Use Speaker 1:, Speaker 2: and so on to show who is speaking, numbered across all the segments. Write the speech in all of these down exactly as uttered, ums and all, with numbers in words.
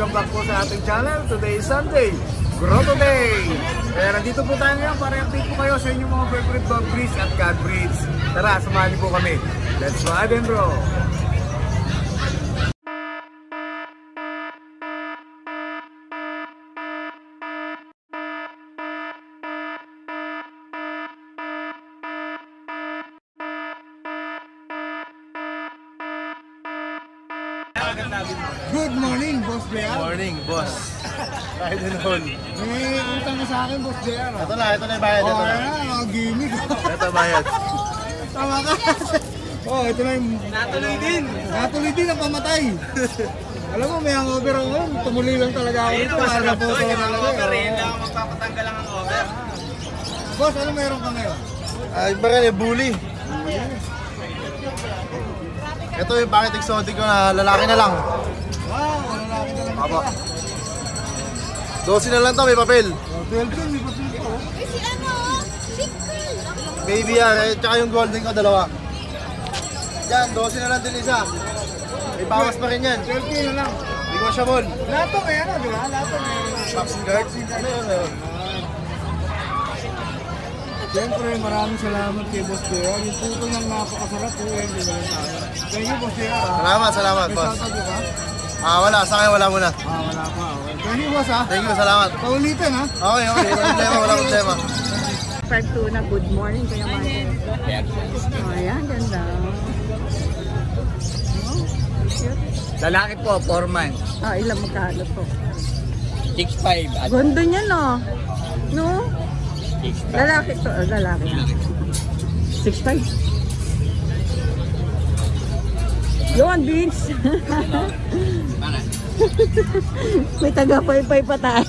Speaker 1: welcome back po sa ating channel. Today is Sunday, Grotto Day. Kaya nandito po tayo ngayon para i-update po kayo sa inyong mga favorite dog breeds at cat breeds. Tara, samahan niyo po kami. Let's ride and roll!
Speaker 2: Good morning, Boss J R.
Speaker 1: Morning, boss. Kahit din hon.
Speaker 2: May utang na sa akin, Boss J R.
Speaker 1: Ito na, ito na yung bayad.
Speaker 2: Oh,
Speaker 1: ito na.
Speaker 2: Oh, gimmick.
Speaker 1: Ito bayad.
Speaker 2: Tama ka. Oh, ito na yung...
Speaker 1: Natuloy din.
Speaker 2: Natuloy din ang pamatay. Alam mo, may hangover ako. Tumuli lang talaga ako dito. Para po ito talaga.
Speaker 1: Ayun lang, magpapatanggal lang ang over.
Speaker 2: Boss, ano meron ka ngayon?
Speaker 1: Ay, ba rin, eh, bully. Ito yung bakit exotic ko na lalaki na lang.
Speaker 2: Wow, lalaki na lang.
Speaker 1: Aba. Dosi na lang to, may papel.
Speaker 2: Oh, twelve yun, may papel ko.
Speaker 3: Eh si ano? Chicken!
Speaker 1: Baby yan, eh, tsaka yung golden ko, dalawa. Yan, dosi na lang din isa. May bawas pa rin yan.
Speaker 2: twelve na lang.
Speaker 1: Negotiable.
Speaker 2: Lahat to may ano, di ba? Lahat to may...
Speaker 1: Pops and guards. Ano yun, ano yun?
Speaker 2: Siyempre, maraming salamat kay Boss J R. Yung puto niyang napakasarap po yan, di ba lang tayo. Thank you, Boss J R.
Speaker 1: Salamat, salamat,
Speaker 2: May
Speaker 1: boss.
Speaker 2: shoutout ka?
Speaker 1: Ah, wala. Sa akin, wala muna.
Speaker 2: Ah, wala pa. Okay. Thank you, Boss, ha?
Speaker 1: Thank you, salamat.
Speaker 2: Paulitin, ha?
Speaker 1: Okay, okay. Walang problema, walang problema.
Speaker 3: five two na good morning Kuya Michael. Oh, ayan, ganda. Oh, cute.
Speaker 4: Lalaki po, four months.
Speaker 3: Ah, ilang magkano to?
Speaker 4: six five at
Speaker 3: Ganda niya, no? No?
Speaker 4: six five.
Speaker 3: Lalaki to, ah, lalaki. six five. Yun, Vince. May taga-pay-pay pa tayo.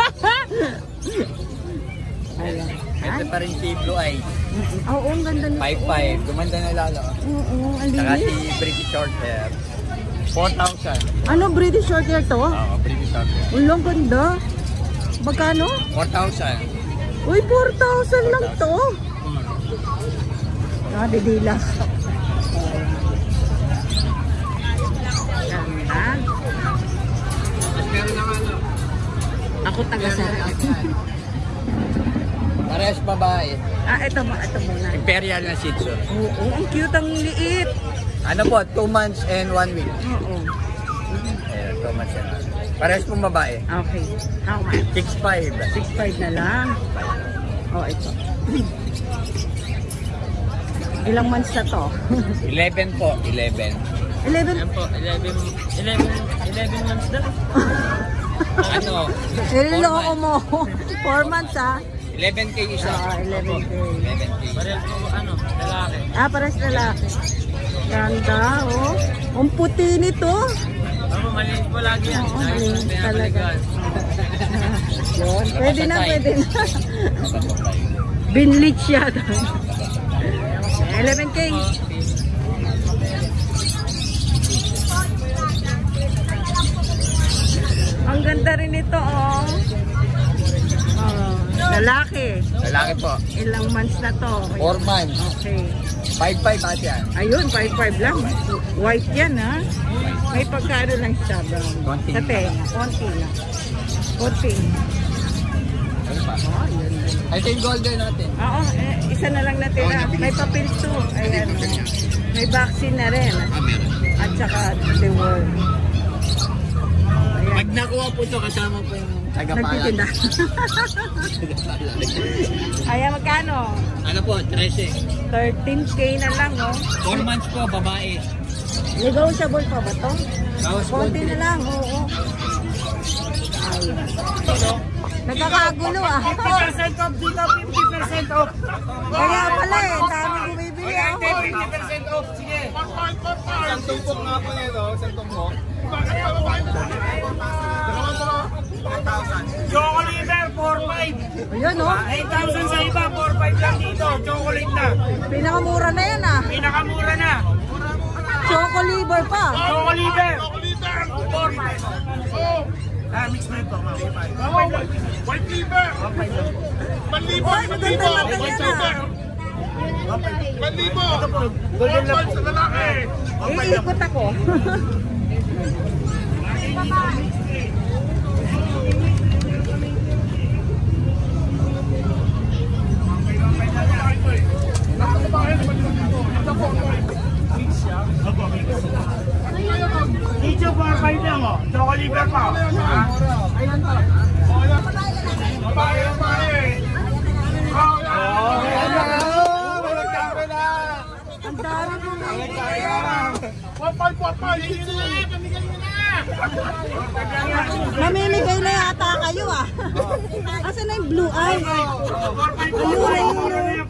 Speaker 3: Ayan.
Speaker 4: Ito pa rin si Blue Eyes.
Speaker 3: Oo, ang ganda nito.
Speaker 4: five five. Gumanda na lalo.
Speaker 3: Oo, ang
Speaker 4: Saka si
Speaker 3: linis.
Speaker 4: British Short Hair. four thousand.
Speaker 3: Ano, British short hair to?
Speaker 4: Oo, British Short Hair.
Speaker 3: Ulang ganda. Magkano?
Speaker 4: four thousand.
Speaker 3: Uy, four thousand lang to. Ah, didila. Ganda.
Speaker 4: Meron naman ano.
Speaker 3: Ako taga-sarap.
Speaker 4: Parehas babae.
Speaker 3: Ah, ito mo, ito muna.
Speaker 4: Imperial na Shih Tzu.
Speaker 3: Oo, ang cute, ang liit.
Speaker 4: Ano po, two months and one week.
Speaker 3: Oo.
Speaker 4: Ayan, two months and one week. Parehas pong babae.
Speaker 3: Okay. How much?
Speaker 4: six five.
Speaker 3: six five na lang. Oh, ito. Ilang months na to?
Speaker 4: eleven po, eleven.
Speaker 3: eleven?
Speaker 4: Ayan po, eleven, eleven, eleven months na. Ano?
Speaker 3: Nililoko mo. four months, ah.
Speaker 4: eleven K isa.
Speaker 3: Ah, eleven K.
Speaker 4: eleven K. Parehas po, ano, lalaki.
Speaker 3: Ah, pares lalaki. Ganda, oh. Ang puti nito.
Speaker 4: Ako, maliit po lagi yan.
Speaker 3: Oo, maliit talaga. Yun, pwede na, pwede na. Binlich siya. eleven K. Ang ganda rin ito, oh. Oh, lalaki.
Speaker 4: Lalaki po.
Speaker 3: Ilang months na to?
Speaker 4: four months.
Speaker 3: Okay.
Speaker 4: five five ate yan.
Speaker 3: Ayun, five five lang. White yan, ha? May pagkano lang siya, brown.
Speaker 4: Konti.
Speaker 3: Sa tenga, konti lang. Konti.
Speaker 4: Ano pa?
Speaker 3: Oh, yun.
Speaker 4: Ito yung golden natin.
Speaker 3: Oo, eh, isa na lang natira. May papel to. Ayan, oh. May vaccine na rin.
Speaker 4: Ah, meron.
Speaker 3: At saka the world. Ayan.
Speaker 4: Pag nakuha po ito, kasama po yung tagapalan.
Speaker 3: Nagtitinda. Ayan, magkano?
Speaker 4: Ano po, thirteen.
Speaker 3: thirteen K na lang, oh.
Speaker 4: four months po, babae.
Speaker 3: Negotiable pa ba to?
Speaker 4: Bawas
Speaker 3: Konti na lang, oo. Ayan. Nagkakagulo, ah.
Speaker 2: fifty percent off dito, fifty percent off.
Speaker 3: Kaya pala eh, dami bumibili ako.
Speaker 2: fifty percent off, sige.
Speaker 1: Isang tumpok nga po nito, isang tumpok.
Speaker 2: Choco liver, four five.
Speaker 3: Ayun, oh.
Speaker 2: eight thousand sa iba, four five lang dito. Chocolate na.
Speaker 3: Pinakamura na yan, ah.
Speaker 2: Pinakamura na.
Speaker 3: Choco liver pa.
Speaker 2: Choco liver. four five. Ah, mix na ito. White liver. Manlibo.
Speaker 3: Oy, maganda naman yan, ah.
Speaker 2: Manlibo. Golden lab sa lalaki.
Speaker 3: Iikot ako. blue eyes. Ayun, ayun.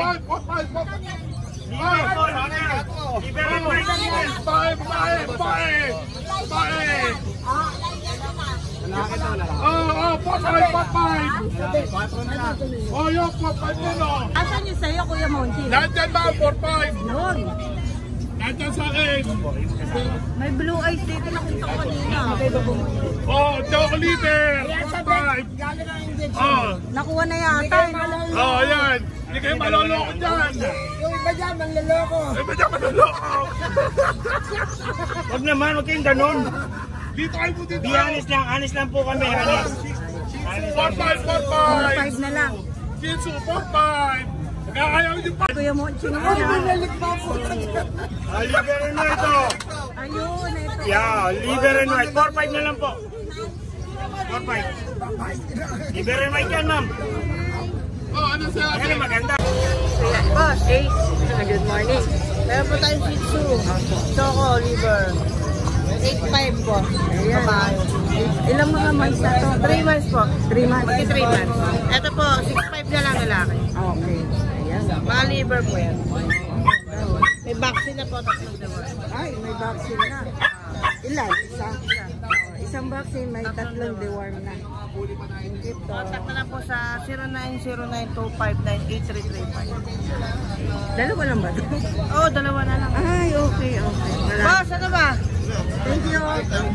Speaker 3: Asan yung sa'yo, Kuya Monty?
Speaker 2: Nandiyan ba ang four five?
Speaker 3: Yun.
Speaker 2: Nandiyan sa akin.
Speaker 3: May blue eyes dito, nakita ko kanina.
Speaker 2: Oh, chocolate. four five. Oh,
Speaker 3: Nakuha na yata.
Speaker 2: oh, ayan. Hindi kayo maloloko dyan.
Speaker 1: Yung iba dyan, manloloko.
Speaker 2: Iba dyan maloloko.
Speaker 5: Huwag naman, huwag kayong ganun.
Speaker 2: Dito kayo po dito.
Speaker 5: Be honest lang, honest lang po kami. Honest.
Speaker 2: four five, four
Speaker 3: four
Speaker 2: five.
Speaker 3: five na lang.
Speaker 2: Jinsu, four five. Nagkakayaw yung pa.
Speaker 3: Kuya Monty na yan.
Speaker 5: Ah, liver and white to.
Speaker 3: Ayun, ito.
Speaker 5: Yeah, liver and white. four five na lang po. four five. Liver and white yan, ma'am.
Speaker 2: Oh, ano sa
Speaker 5: Ayan ang maganda.
Speaker 3: Boss, hey. Good morning. Meron po tayong Shih Tzu. Choco, liver. eight five po. Ayan. Ilang mga months na to? three months po. three months. Pati three months. Ito po, six five na lang lalaki. Okay. Ayan. Mga liver po yan. May vaccine na po. Tatlong deworm. Ay, may vaccine na. Ilan? Isa. Oh, isang vaccine, may tatlong deworm na. Contact na lang po sa zero nine zero nine two five nine eight three three five. Dalawa lang ba ito? Oo, oh, dalawa na lang. Ay, okay, okay. Boss, ano ba? Thank you.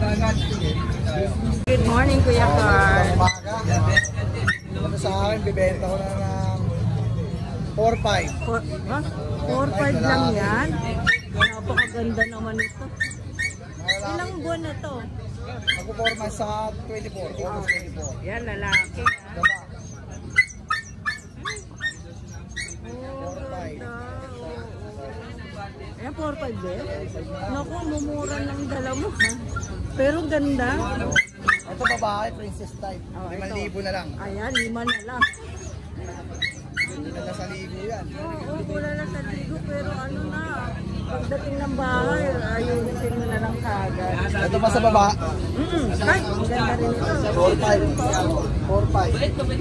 Speaker 3: Good morning, Kuya Carl.
Speaker 1: Ano sa akin, bibenta ko na ng four five.
Speaker 3: four five lang yan? Napakaganda naman ito. Ilang buwan na to?
Speaker 1: Magpuporma sa twenty-four. August twenty-four.
Speaker 3: Yan, lalaki.
Speaker 1: Diba?
Speaker 3: Oh, ganda. Ayan, four five eh. Naku, mumura ng dala mo ha. Pero ganda.
Speaker 1: Ito babae, princess type.
Speaker 3: Oh,
Speaker 1: limang
Speaker 3: ito.
Speaker 1: libo na lang.
Speaker 3: Ayan, lima na lang.
Speaker 1: Hindi na sa libo yan.
Speaker 3: Oo, wala na sa ligo. Pero ano na, pagdating ng bahay, ayusin mo na lang kagad.
Speaker 1: Ito pa sa baba.
Speaker 3: Mm, ay, ang ganda rin ito.
Speaker 1: four five. four five.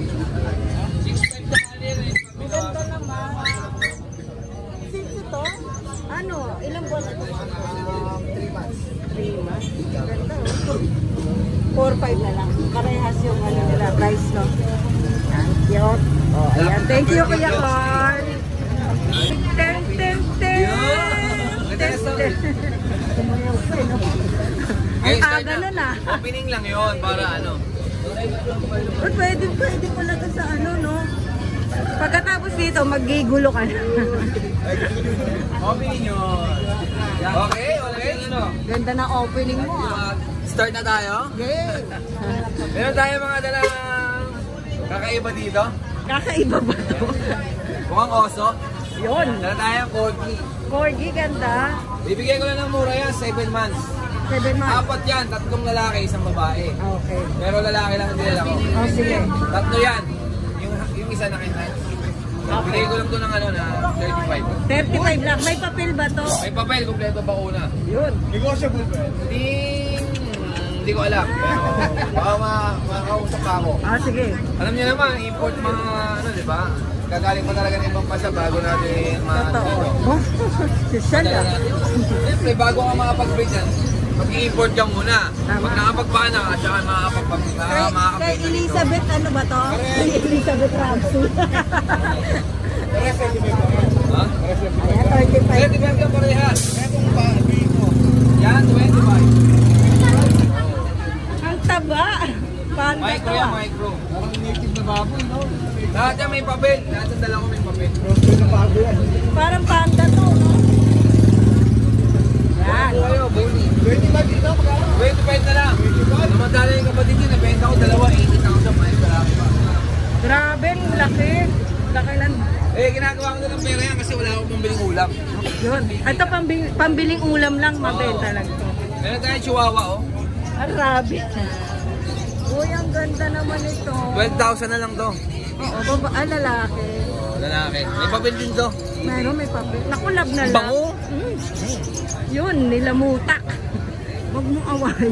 Speaker 3: Maganda naman. Since ito, ano, ilang buwan ito?
Speaker 1: Um, three months.
Speaker 3: three months. Ganda oh. four five na lang. Karehas yung ano nila, price no. Yan, cute. Oh, ayan. Thank you, Kuya Carl. Ten, ten, ten. Ten, ten. Tumayaw pa eh, no? Ang aga na na.
Speaker 4: Opening lang yon para ano.
Speaker 3: But pwede, pwede pala to sa ano, no? Pagkatapos dito, magigulo ka na.
Speaker 4: Opening yun. Okay, okay. Ano?
Speaker 3: Ganda na opening mo, ah.
Speaker 4: Start na tayo.
Speaker 3: Yay!
Speaker 4: Meron tayo mga dalang kakaiba dito.
Speaker 3: Kakaiba ba to?
Speaker 4: Mukhang oso.
Speaker 3: Yun.
Speaker 4: Dala tayo corgi.
Speaker 3: Corgi, ganda.
Speaker 4: Bibigyan ko lang ng mura yan, seven months.
Speaker 3: Seven months.
Speaker 4: Apat yan, tatlong lalaki, isang babae.
Speaker 3: Okay.
Speaker 4: Pero lalaki lang hindi lalaki.
Speaker 3: Oh, sige.
Speaker 4: Tatlo yan. Yung, yung isa na kita. Bigay ko lang to ng ano na thirty-five.
Speaker 3: thirty-five lang. May papel ba to?
Speaker 4: May papel, kompleto pa una.
Speaker 3: Yun.
Speaker 1: Negotiable ba?
Speaker 4: Hindi, hindi ko alam. Pero baka ma- makakausap pa ako.
Speaker 3: Ah, sige.
Speaker 4: Alam niyo naman, import mga ano, di ba? Gagaling pa talaga ng ibang bansa bago natin ma-
Speaker 3: Totoo.
Speaker 4: ano,
Speaker 3: Oh, social
Speaker 4: Dala
Speaker 3: ah.
Speaker 4: natin. Siyempre, bago ka makapag-break yan, mag-i-import ka muna.
Speaker 3: Tama.
Speaker 4: Pag nakapagpana ka, tsaka makakapag
Speaker 3: Kay,
Speaker 4: uh,
Speaker 3: kay
Speaker 4: makakapag
Speaker 3: Elizabeth, ano ba to? Kay Elizabeth Ramsey.
Speaker 4: Ha?
Speaker 3: Ayan, thirty-five.
Speaker 4: thirty-five ka parehas.
Speaker 1: Etong pa, dito.
Speaker 4: Yan, twenty-five.
Speaker 3: Ang taba. Panda
Speaker 4: Micro
Speaker 3: to
Speaker 4: yan,
Speaker 3: ah.
Speaker 4: micro.
Speaker 1: Mukhang native na baboy, no?
Speaker 4: Lahat yan may papel. Lahat ng dala ko may papel.
Speaker 1: Roasted na baboy yan.
Speaker 3: Parang panda to, no? Yan.
Speaker 4: Ano kayo, Bonnie?
Speaker 1: twenty-five dito, magkano?
Speaker 4: twenty-five na lang. Namadala yung kapatid niya, nabenta ko dalawa, eighty thousand. May dalawa pa.
Speaker 3: Grabe, ang laki. Laki lang.
Speaker 4: Eh, ginagawa ko na ng pera yan kasi wala akong pambiling ulam.
Speaker 3: Yun. Ito pambil pambiling ulam lang, mabenta lang to.
Speaker 4: Meron tayong chihuahua, oh.
Speaker 3: Ang rabbit. Uy, ang ganda naman ito.
Speaker 4: twelve thousand na lang to.
Speaker 3: Oo, baba, ah, lalaki.
Speaker 4: Oh, lalaki. May papel din to.
Speaker 3: Meron, may papel. Naku, lab na lang.
Speaker 4: Bango.
Speaker 3: Mm. Yun, nilamutak. Huwag mong awayin.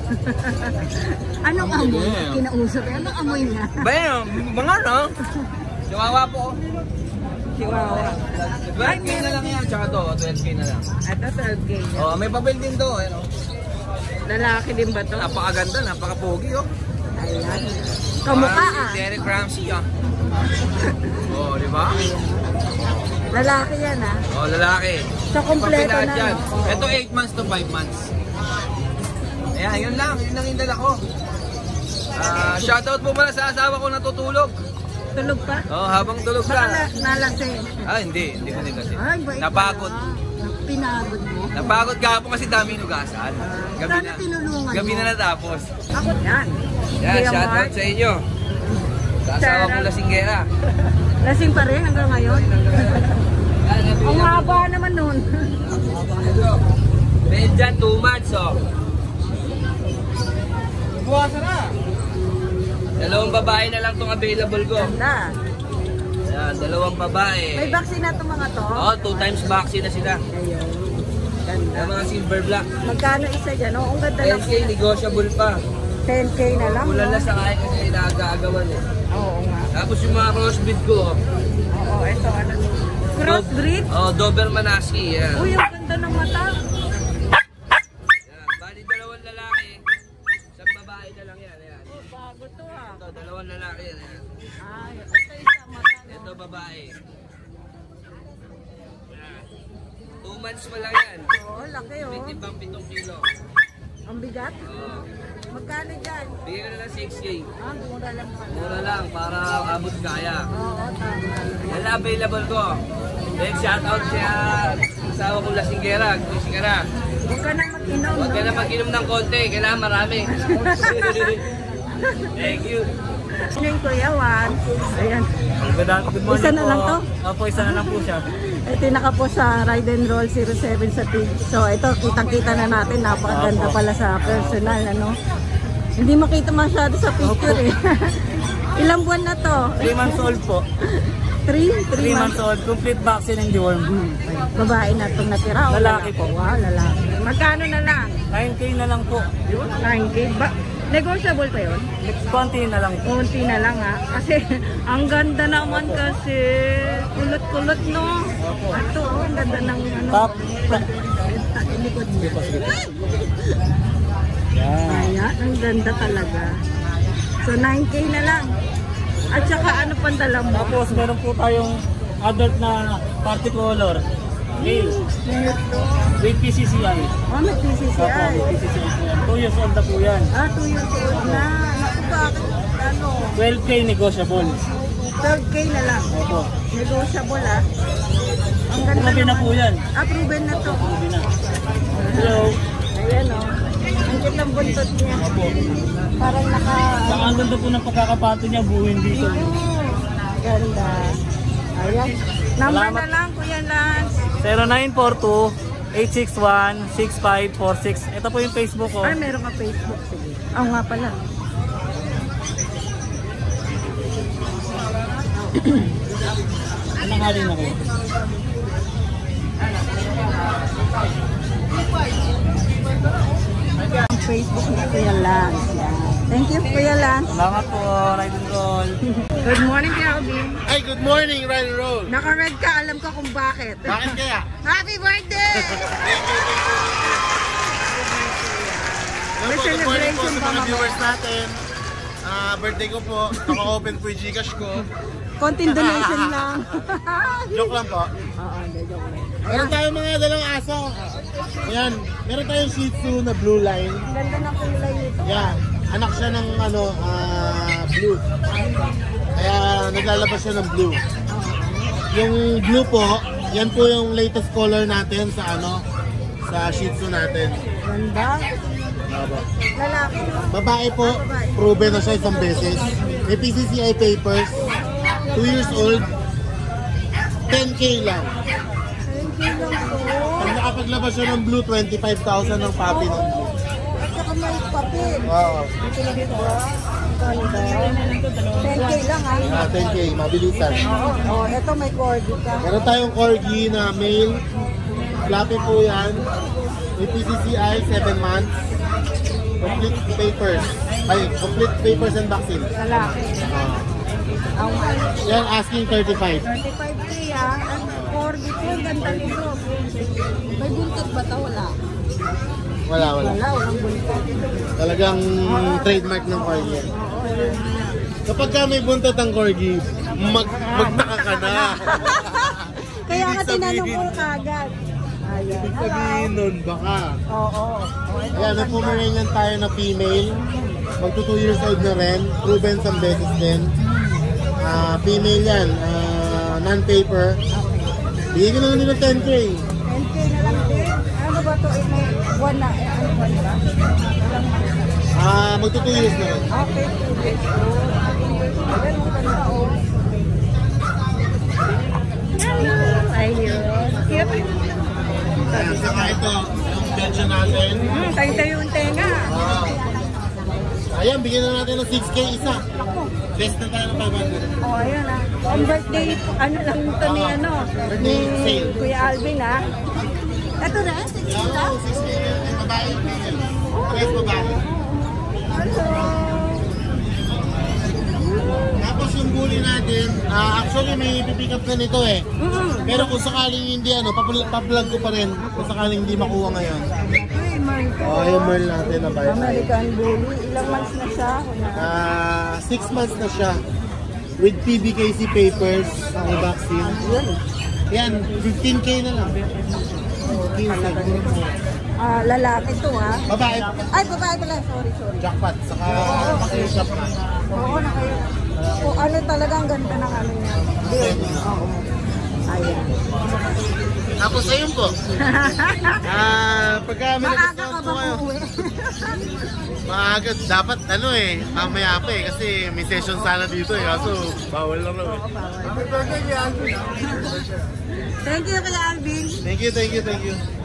Speaker 3: Anong amoy? Kinausap. Anong amoy niya?
Speaker 4: Ba yun, mga no? Chihuahua po.
Speaker 3: Chihuahua.
Speaker 4: twelve K na lang yan, tsaka to, twelve K na lang.
Speaker 3: Ito, twelve K.
Speaker 4: Oh, may papel din to, ano?
Speaker 3: Lalaki din ba to?
Speaker 4: Napakaganda, napaka-pogi, oh.
Speaker 3: Ayan. Kamukha
Speaker 4: Parang
Speaker 3: ah.
Speaker 4: si Derek Ramsey, ah. Oh, di ba?
Speaker 3: Lalaki yan ah.
Speaker 4: Oh, lalaki.
Speaker 3: So, kompleto
Speaker 4: Papilahat
Speaker 3: na.
Speaker 4: yan.
Speaker 3: No?
Speaker 4: Ito eight months to five months. Ayan, yun lang. Yun lang yung dala ko. Ah, shoutout po pala sa asawa ko natutulog.
Speaker 3: Tulog pa?
Speaker 4: Oh, habang tulog
Speaker 3: Baka na,
Speaker 4: ka.
Speaker 3: nalasing.
Speaker 4: Ah, hindi. Hindi ko din kasi.
Speaker 3: Ay, bait
Speaker 4: Napagod.
Speaker 3: pala. Pinagod mo.
Speaker 4: Napagod ka po kasi dami nugasan. Gabi
Speaker 3: Sana
Speaker 4: na.
Speaker 3: tinulungan
Speaker 4: Gabi
Speaker 3: mo.
Speaker 4: na natapos.
Speaker 3: Ako yan.
Speaker 4: Yan,
Speaker 3: Kuya
Speaker 4: shoutout
Speaker 3: Mark.
Speaker 4: sa inyo. Sa asawa ko
Speaker 3: Shoutout.
Speaker 4: lasinggera.
Speaker 3: Lasing pa rin hanggang ngayon. Ang haba naman nun.
Speaker 4: Medyan, two months, oh.
Speaker 1: Buwasan na!
Speaker 4: Dalawang babae na lang itong available ko.
Speaker 3: Ganda.
Speaker 4: Yan, dalawang babae.
Speaker 3: May vaccine na itong mga to?
Speaker 4: Oh, two times vaccine na sila.
Speaker 3: Ayun. Ganda.
Speaker 4: Yung mga silver black.
Speaker 3: Magkano isa dyan? Oh, ang ganda
Speaker 4: ten
Speaker 3: lang.
Speaker 4: K negotiable pa.
Speaker 3: ten K na lang.
Speaker 4: Kulang
Speaker 3: no?
Speaker 4: na sa kaya kasi nag-aagawan eh.
Speaker 3: Oo nga.
Speaker 4: Tapos yung mga crossbreed ko, oh.
Speaker 3: Oo, ito ano. Crossbreed?
Speaker 4: Oh, Doberman Husky, yan.
Speaker 3: Uy, ang ganda ng mata.
Speaker 4: Yan, bali dalawang lalaki. Isang babae na lang yan, yan.
Speaker 3: Oh, bago to ah.
Speaker 4: Ito, dalawang lalaki yan, yan.
Speaker 3: Ay, ito isa mata. no?
Speaker 4: Ito, babae. Yan. Two months pa lang yan.
Speaker 3: Oo, laki oh.
Speaker 4: Pitibang pitong kilo.
Speaker 3: Ang bigat.
Speaker 4: Oh.
Speaker 3: Magkano dyan?
Speaker 4: Bigyan ko na lang six K.
Speaker 3: Ah, mura lang pala.
Speaker 4: Mura lang para abot kaya.
Speaker 3: Oo, tama.
Speaker 4: Yan lang available ko. Then shoutout siya asawa kong lasinggera. Gusto ka na.
Speaker 3: Huwag ka na mag-inom,
Speaker 4: Huwag
Speaker 3: no?
Speaker 4: ka na mag-inom ng konti. Kailangan marami. Thank you.
Speaker 3: Ano yung Kuya Juan? Ayan.
Speaker 2: Good morning
Speaker 3: Isa na
Speaker 2: po.
Speaker 3: lang to?
Speaker 2: Opo, isa na lang po siya.
Speaker 3: Ito naka po sa Ride and Roll zero seven sa T V. So ito, kitang-kita na natin. Napakaganda
Speaker 2: Opo.
Speaker 3: pala sa personal, ano? Hindi makita masyado sa picture eh. Ilang buwan na to?
Speaker 2: three months old po.
Speaker 3: three?
Speaker 2: three
Speaker 3: three
Speaker 2: months old. Complete vaccine and deworm.
Speaker 3: Babae na itong natira. o
Speaker 2: Lalaki po.
Speaker 3: Wow, lalaki. Magkano na lang?
Speaker 2: nine K na lang po.
Speaker 3: nine K ba? Negotiable pa yun?
Speaker 2: twenty na lang po.
Speaker 3: Kunti na lang ha. Kasi ang ganda naman kasi. Kulot-kulot no. Ito oh, ang ganda ng ano.
Speaker 2: Top.
Speaker 3: Likod niya.
Speaker 2: Yan.
Speaker 3: Ayan, ang ganda talaga. So nine K na lang. At saka ano pang dala mo?
Speaker 2: Tapos meron po tayong adult na party color. Male.
Speaker 3: Ito.
Speaker 2: With P C C I.
Speaker 3: Oh, may P C C
Speaker 2: Opo,
Speaker 3: I.
Speaker 2: with P C C I po yan. two years old na po yan.
Speaker 3: Ah, two years old na. Naku, bakit? Ano?
Speaker 2: twelve K negotiable.
Speaker 3: twelve K na lang.
Speaker 2: Opo.
Speaker 3: Negotiable ah. Ang ganda
Speaker 2: Proven na
Speaker 3: naman.
Speaker 2: po yan.
Speaker 3: Ah, proven na to.
Speaker 2: Proven na. Hello.
Speaker 3: Ayan o. Ang cute ng buntot niya. Parang naka...
Speaker 2: Saka ang ganda po ng pagkakapato niya, buuin dito.
Speaker 3: Ganda. Ayan. Number
Speaker 2: Salamat.
Speaker 3: na lang, Kuya Lance.
Speaker 2: zero nine four two, eight six one, six five four six. Ito po yung Facebook ko.
Speaker 3: Ay, meron ka Facebook. Sige. Oo nga pala.
Speaker 2: Anong haling ako?
Speaker 3: Ang Facebook ni Kuya Lance. Yan. Thank you, Kuya Lance.
Speaker 2: Salamat po, ride and roll.
Speaker 3: Good morning, Calvin.
Speaker 1: Ay, good morning, Ride and Roll!
Speaker 3: Naka-red ka, alam ko kung bakit.
Speaker 1: Bakit kaya?
Speaker 3: Happy birthday!
Speaker 1: Hello
Speaker 3: May
Speaker 1: po, good morning po
Speaker 3: celebration
Speaker 1: sa
Speaker 3: ba,
Speaker 1: mga
Speaker 3: mama?
Speaker 1: viewers natin. Ah, birthday ko po. Naka-open po yung Gcash ko.
Speaker 3: Konting donation lang.
Speaker 1: Joke lang po.
Speaker 3: Oo, hindi, joke lang.
Speaker 1: Meron tayong mga dalang aso. Ayan, meron tayong Shih Tzu na blue line.
Speaker 3: Ang ganda ng kulay nito.
Speaker 1: Yan, anak siya ng ano, ah, blue. Kaya naglalabas siya ng blue. Yung blue po, yan po yung latest color natin sa ano, sa Shih Tzu natin.
Speaker 3: Ganda. Lalaki, no?
Speaker 1: Babae po, proven na siya isang beses. May P C C I papers, two years old, ten K lang.
Speaker 3: Thank you lang po.
Speaker 1: Pag nakapaglabas siya ng blue, twenty-five thousand ng papi ng blue.
Speaker 3: At saka may papel.
Speaker 1: Wow.
Speaker 3: Ito lang ito. Ang ganda. ten K lang, ha?
Speaker 1: Ah, ten K, mabilisan.
Speaker 3: Oo. Oh, ito may corgi ka.
Speaker 1: Meron tayong corgi na male. Fluffy po yan. May P C C I, seven months. Complete papers. Ay, complete papers and vaccine.
Speaker 3: Lalaki.
Speaker 1: Ah.
Speaker 3: Ang
Speaker 1: Yan, asking thirty-five.
Speaker 3: thirty-five K ah. Ang corgi po, ganda nito. May buntot ba ito? Wala.
Speaker 1: Wala, wala.
Speaker 3: Wala, walang buntot.
Speaker 1: Talagang trademark ng corgi yan.
Speaker 3: Oo, yun na.
Speaker 1: Kapag ka may buntot ang corgi, mag magtaka ka na.
Speaker 3: Kaya nga
Speaker 1: Ibig
Speaker 3: tinanong ko
Speaker 1: sabihin-
Speaker 3: kagad. Ayan.
Speaker 1: Ibig sabihin nun, baka.
Speaker 3: Oo.
Speaker 1: Ayan, may Pomeranian tayo na female. Magto two years old na rin. Proven some beses din. Ah, female yan. Ah, non-paper. Bigyan ko na lang din ng ten K.
Speaker 3: ten K na lang din. Ano ba ito? Eh, may buwan na. Eh, ano ba ba? Walang
Speaker 1: Ah, magto two years na rin.
Speaker 3: okay, two days. Oh, ayan, ang ganda, oh. Hello! Ayun. Cute.
Speaker 1: Ayan, saka ito, yung pension natin.
Speaker 3: Hmm, tayo-tayo yung tenga.
Speaker 1: Ah. Ayan, bigyan na natin ng six K isa. Best na tayo ng five hundred.
Speaker 3: Oh, ayan ah. Ang birthday, ano lang ito ni ano, ni
Speaker 1: Birthday sale.
Speaker 3: Kuya Alvin ah. Ito na, six
Speaker 1: Yan,
Speaker 3: lang.
Speaker 1: six K. Babae, female. Yes, babae.
Speaker 3: Hello!
Speaker 1: Tapos yung bully natin, ah, actually may pipick up na nito eh.
Speaker 3: Mm.
Speaker 1: Pero kung sakaling hindi ano, papl- pa-vlog ko pa rin. Kung sakaling hindi makuha ngayon.
Speaker 3: Hey, Mark.
Speaker 1: Oh, yung Merl natin na bite.
Speaker 3: American Bully. Ilang months na siya? Kuya?
Speaker 1: Ah, six months na siya. With P B K C papers, ang vaccine.
Speaker 3: Yun.
Speaker 1: Yan, fifteen K na lang. fifteen K.
Speaker 3: Ah, lalaki to ha.
Speaker 1: Babae,
Speaker 3: Ay, babae pala. Sorry, sorry.
Speaker 1: jackpot, saka pakiusap na.
Speaker 3: Oo, na kayo. Kung ano talaga ang ganda ng ano niya. Build. Oo. Ayan.
Speaker 1: Tapos ayun po. Ah, pagka may
Speaker 3: Maaga
Speaker 1: nag-discount
Speaker 3: ka
Speaker 1: po
Speaker 3: ba
Speaker 1: kayo.
Speaker 3: uuwi?
Speaker 1: Maaga, dapat ano eh, mamaya pa eh, kasi may session sana dito eh, kaso bawal lang lang eh.
Speaker 3: Oo, bawal. Thank you, Kuya Alvin.
Speaker 1: Thank you, thank you, thank you.